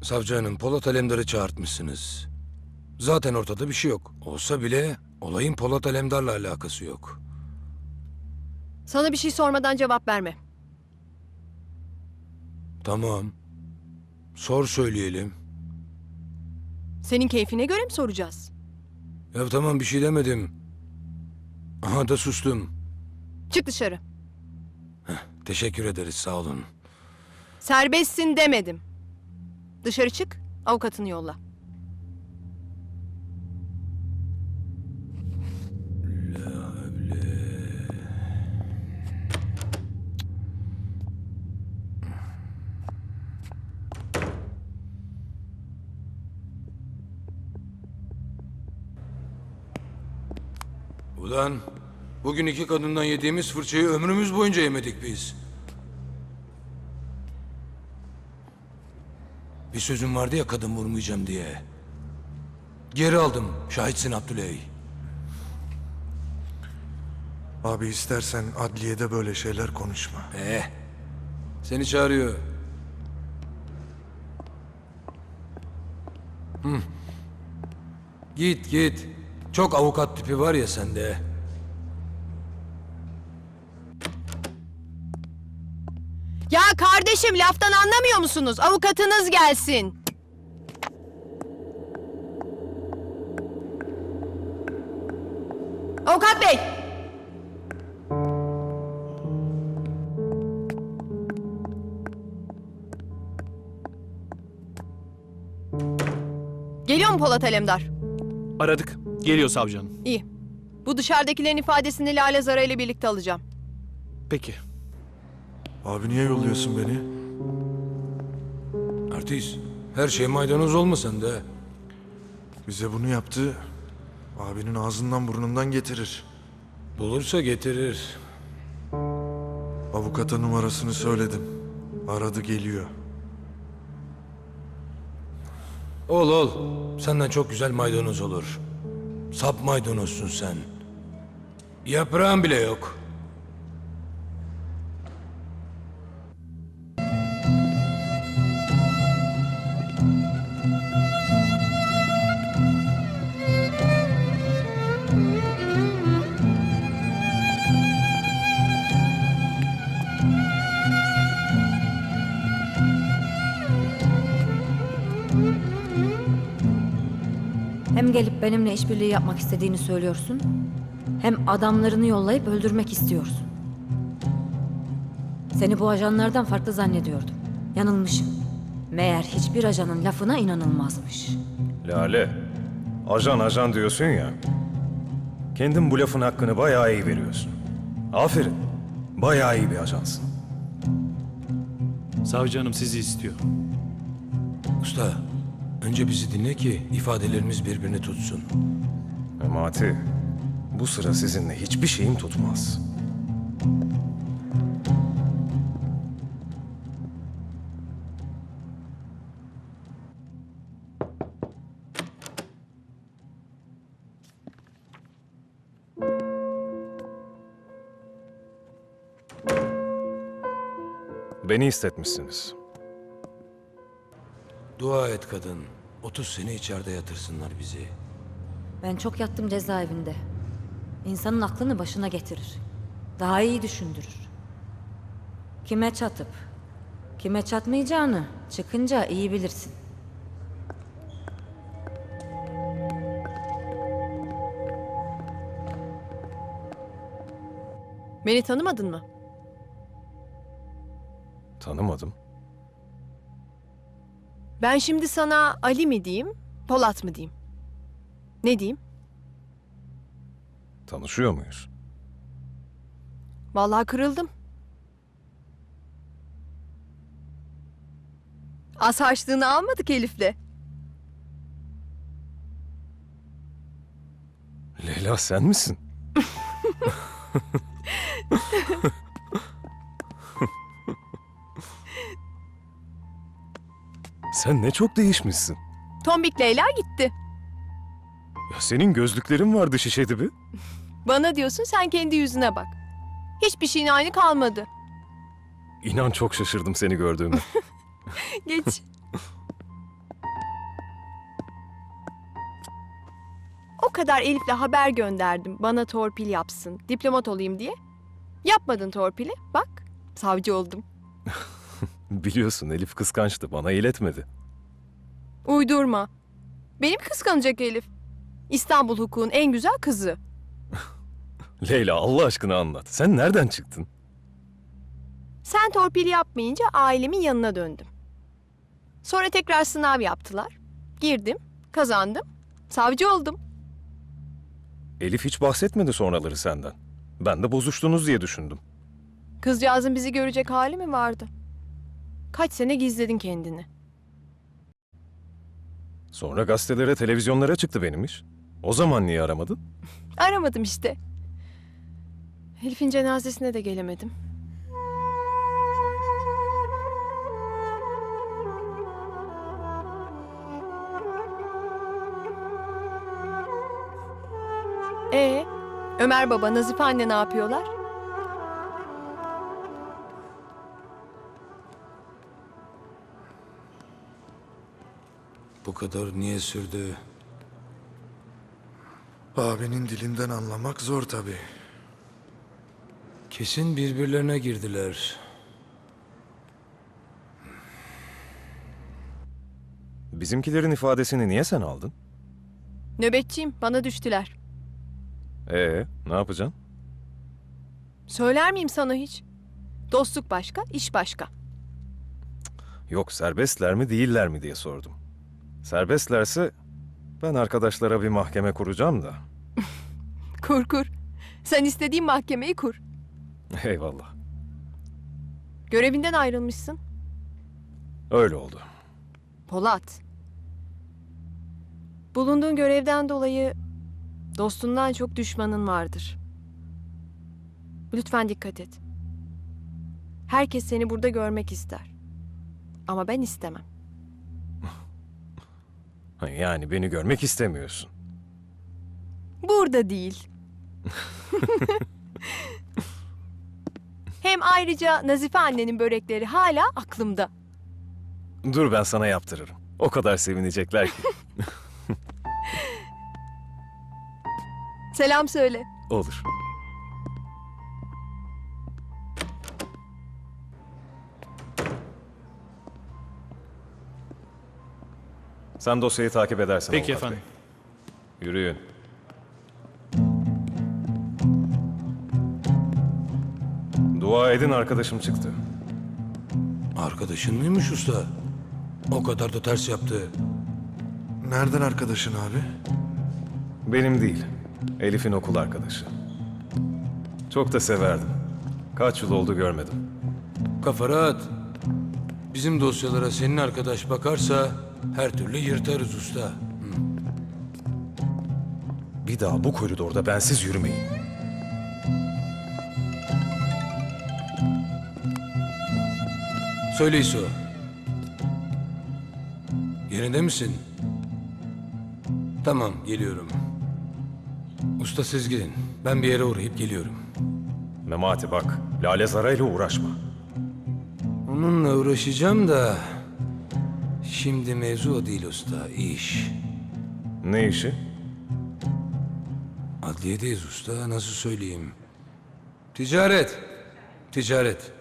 Savcı hanım, Polat Alemdar'ı çağırtmışsınız. Zaten ortada bir şey yok. Olsa bile olayın Polat Alemdar'la alakası yok. Sana bir şey sormadan cevap verme. Tamam. Sor söyleyelim. Senin keyfine göre mi soracağız? Ya tamam bir şey demedim. Aha da sustum. Çık dışarı. Teşekkür ederiz sağ olun. Serbestsin demedim. Dışarı çık, avukatını yolla. Ulan bugün iki kadından yediğimiz fırçayı ömrümüz boyunca yemedik biz. Bir sözüm vardı ya kadın vurmayacağım diye. Geri aldım. Şahitsin Abdüley. Abi istersen adliyede böyle şeyler konuşma. Seni çağırıyor. Git git. Çok avukat tipi var ya sende. Ya kardeşim laftan anlamıyor musunuz? Avukatınız gelsin. Avukat bey! Geliyor mu Polat Alemdar? Aradık. Geliyor savcı hanım. İyi. Bu dışarıdakilerin ifadesini Lale Zara ile birlikte alacağım. Peki. Abi niye yolluyorsun beni? Artist. Her şey maydanoz olma sende. Bize bunu yaptı. Abinin ağzından burnundan getirir. Bulursa getirir. Avukata numarasını söyledim. Aradı geliyor. Ol. Senden çok güzel maydanoz olur. Sap maydanozsun sen. Yaprağın bile yok. Hem gelip benimle işbirliği yapmak istediğini söylüyorsun, hem adamlarını yollayıp öldürmek istiyorsun. Seni bu ajanlardan farklı zannediyordum. Yanılmışım. Meğer hiçbir ajanın lafına inanılmazmış. Lale, ajan diyorsun ya. Kendin bu lafın hakkını bayağı iyi veriyorsun. Aferin, bayağı iyi bir ajansın. Savcı hanım sizi istiyor. Usta, önce bizi dinle ki ifadelerimiz birbirini tutsun. Memati, bu sıra sizinle hiçbir şeyim tutmaz. Beni istetmişsiniz. Dua et kadın. 30 sene içeride yatırsınlar bizi. Ben çok yattım cezaevinde. İnsanın aklını başına getirir. Daha iyi düşündürür. Kime çatıp, kime çatmayacağını çıkınca iyi bilirsin. Beni tanımadın mı? Tanımadım. Ben şimdi sana Ali mi diyeyim, Polat mı diyeyim? Ne diyeyim? Tanışıyor muyuz? Vallahi kırıldım. Az harçlığını almadık Elif'le. Leyla sen misin? Sen ne çok değişmişsin. Tombik Leyla gitti. Ya senin gözlüklerin vardı şişe dibi. Bana diyorsun, sen kendi yüzüne bak. Hiçbir şeyin aynı kalmadı. İnan çok şaşırdım seni gördüğüme. Geç. O kadar Elif'le haber gönderdim bana torpil yapsın, diplomat olayım diye. Yapmadın torpili, bak savcı oldum. Biliyorsun Elif kıskançtı, bana iletmedi. Uydurma. Benim kıskanacak Elif. İstanbul hukukun en güzel kızı. Leyla Allah aşkına anlat. Sen nereden çıktın? Sen torpil yapmayınca ailemin yanına döndüm. Sonra tekrar sınav yaptılar. Girdim, kazandım, savcı oldum. Elif hiç bahsetmedi sonraları senden. Ben de bozuştunuz diye düşündüm. Kızcağızın bizi görecek hali mi vardı? Kaç sene gizledin kendini. Sonra gazetelere, televizyonlara çıktı benim iş. O zaman niye aramadın? Aramadım işte. Elif'in cenazesine de gelemedim. Ömer baba, Nazife anne ne yapıyorlar? Bu kadar niye sürdü? Abinin dilinden anlamak zor tabii. Kesin birbirlerine girdiler. Bizimkilerin ifadesini niye sen aldın? Nöbetçiyim, bana düştüler. Ne yapacaksın? Söyler miyim sana hiç? Dostluk başka, iş başka. Yok serbestler mi değiller mi diye sordum. Serbestlerse ben arkadaşlara bir mahkeme kuracağım da. Kur kur. Sen istediğin mahkemeyi kur. Eyvallah. Görevinden ayrılmışsın. Öyle oldu. Polat. Bulunduğun görevden dolayı dostundan çok düşmanın vardır. Lütfen dikkat et. Herkes seni burada görmek ister. Ama ben istemem. Yani beni görmek istemiyorsun. Burada değil. Hem ayrıca Nazife annenin börekleri hala aklımda. Dur ben sana yaptırırım. O kadar sevinecekler ki. Selam söyle. Olur. Sen dosyayı takip edersin. Peki avukat efendim. bey. Yürüyün. Dua edin arkadaşım çıktı. Arkadaşın mıymış usta? O kadar da ters yaptı. Nereden arkadaşın abi? Benim değil. Elif'in okul arkadaşı. Çok da severdim. Kaç yıl oldu görmedim. Kafa rahat. Bizim dosyalara senin arkadaş bakarsa her türlü yırtarız usta. Bir daha bu koridorda bensiz yürümeyin. Söyle İso. Yerinde misin? Tamam, geliyorum. Usta siz gidin. Ben bir yere uğrayıp geliyorum. Memati bak, Lale Zara ile uğraşma. Onunla uğraşacağım da... Şimdi mevzu o değil usta, iş. Ne işi? Adliyedeyiz usta, nasıl söyleyeyim? Ticaret. Ticaret.